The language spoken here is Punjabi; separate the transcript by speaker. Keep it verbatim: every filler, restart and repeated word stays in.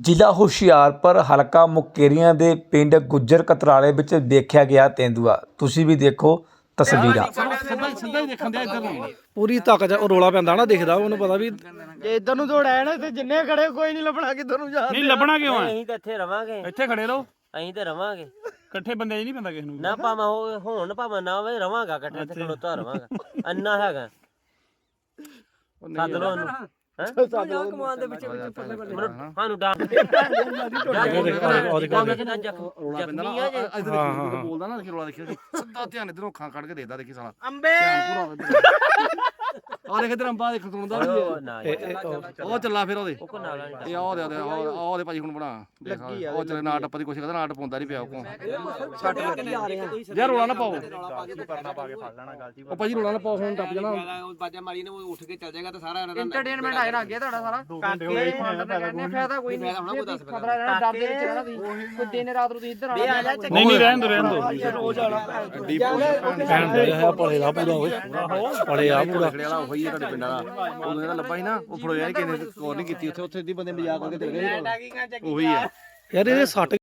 Speaker 1: ਜ਼ਿਲ੍ਹਾ ਹੁਸ਼ਿਆਰਪੁਰ ਹਲਕਾ ਮੁਕੇਰੀਆਂ ਦੇ ਪਿੰਡ ਗੁੱਜਰ ਕਤਰਾਲੇ ਵਿੱਚ ਦੇਖਿਆ ਗਿਆ ਤੇਂਦੂਆ। ਤੁਸੀਂ ਵੀ ਦੇਖੋ ਤਸਵੀਰਾਂ।
Speaker 2: ਸਿੱਧਾ ਹੀ ਦੇਖਣ ਦਿਆ ਇੱਧਰ ਨੂੰ
Speaker 3: ਪੂਰੀ ਤਾਕਤ ਉਹ ਰੋਲਾ ਪੈਂਦਾ ਨਾ ਦਿਖਦਾ ਉਹਨੂੰ ਪਤਾ ਵੀ
Speaker 4: ਜੇ ਇਧਰ ਨੂੰ ਦੌੜਾਇਆ ਨਾ ਤੇ ਜਿੰਨੇ ਖੜੇ ਕੋਈ ਨਹੀਂ ਲੱਭਣਾ ਕਿੱਧਰ ਨੂੰ ਜਾ
Speaker 2: ਨਹੀਂ ਲੱਭਣਾ ਕਿਉਂ ਹੈ?
Speaker 5: ਅਸੀਂ ਤਾਂ ਇੱਥੇ ਰਵਾਂਗੇ,
Speaker 2: ਇੱਥੇ ਖੜੇ ਰਹੋ,
Speaker 5: ਅਸੀਂ ਤੇ ਰਵਾਂਗੇ
Speaker 2: ਇਕੱਠੇ ਬੰਦੇ ਨਹੀਂ ਪੈਂਦਾ ਕਿਸੇ ਨੂੰ।
Speaker 5: ਨਾ ਭਾਵੇਂ ਹੋ ਹੋਣ ਭਾਵੇਂ ਨਾ ਹੋਵੇ, ਰਵਾਂਗਾ ਇਕੱਠੇ ਤੇ ਖਲੋਤਾ ਰਵਾਂਗਾ। ਅੰਨਾ ਹੈਗਾ ਸੱਦ ਲੋ ਉਹਨੂੰ। ਕਮਾਨ ਦੇ ਵਿੱਚ ਸਾਨੂੰ ਡਾਂ ਜ਼ਖਮੀ ਆ ਜੇ
Speaker 2: ਬੋਲਦਾ ਨਾ, ਦੇਖੀ ਰੋਲਾ ਦੇਖੀ ਸਿੱਧਾ ਧਿਆਨ ਇਧਰੋਂ ਅੱਖਾਂ ਕੱਢ ਕੇ ਦੇਖਦਾ, ਦੇਖੀ ਸਾਲਾ
Speaker 4: ਅੰਬੇ
Speaker 2: ਆ ਦੇਖ ਇਧਰ ਅੰਬਾ ਦੇਖ ਸੁਣਦਾ ਵੀ
Speaker 5: ਨਾ
Speaker 2: ਉਹ ਚੱਲਾ ਫਿਰ ਉਹਦੇ
Speaker 5: ਉਹ ਕੋ ਨਾਲ ਨਹੀਂ
Speaker 2: ਇਹ ਆਹ ਦੇ ਆ ਉਹਦੇ ਭਾਜੀ ਹੁਣ ਬਣਾ ਉਹ ਚੱਲੇ ਨਾ ਟੱਪ ਦੀ ਕੋਸ਼ਿਸ਼ ਕਰਦਾ, ਨਾ ਟਪਾਉਂਦਾ ਨਹੀਂ ਪਿਆ ਉਹ ਛੱਟ ਯਾਰ ਰੋਲਾ ਨਾ ਪਾਓ, ਉਹ ਭਾਜੀ ਰੋਲਾ ਨਾ ਪਾਓ, ਹੁਣ ਟੱਪ ਜਾਣਾ
Speaker 4: ਬਾਜਾ ਮਾਰੀ ਨੇ ਉਹ ਉੱਠ ਕੇ ਚੱਲ ਜਾਏਗਾ ਤਾਂ ਸਾਰਾ
Speaker 3: ਐਂਟਰਟੇਨਮੈਂਟ ਆਏ ਲੱਗ ਗਿਆ ਤੁਹਾਡਾ ਸਾਰਾ ਕਹਿੰਦੇ ਫਾਇਦਾ ਕੋਈ ਨਹੀਂ ਖਤਰਾ ਰਹਿਣਾ, ਡਰ ਦੇ ਵਿੱਚ ਰਹਿਣਾ ਤੁਸੀਂ ਕੋਈ ਦਿਨ ਰਾਤ ਨੂੰ ਤੁਸੀਂ ਇੱਧਰ ਆਣਾ।
Speaker 2: ਨਹੀਂ ਨਹੀਂ ਰਹਿਣ ਦੋ ਰਹਿਣ ਦੋ
Speaker 3: ਰੋਜ਼ ਆਣਾ ਭੈਣ ਦੇ ਆ ਭਲੇ ਦਾ ਪੂਰਾ ਹੋਏ ਭਲੇ ਆ ਪੂਰਾ
Speaker 2: ਵਾਲਾ ਉਹੀ ਹੈ ਤੁਹਾਡੇ ਪਿੰਡ ਵਾਲਾ, ਉਹਨੂੰ ਇਹਦਾ ਲੱਭਾ ਸੀ ਨਾ, ਉਹ ਫੜੋਇਆ ਨਹੀਂ ਕਿਸੇ ਨੇ, ਕੋਰ ਨਹੀਂ ਕੀਤੀ ਉੱਥੇ, ਉੱਥੇ ਦੀ ਬੰਦੇ ਮਜ਼ਾਕ ਕਰਕੇ ਦੇ ਰਹੇ ਉਹੀ ਹੈ
Speaker 3: ਯਾਰ ਇਹਦੇ ਸੱਟ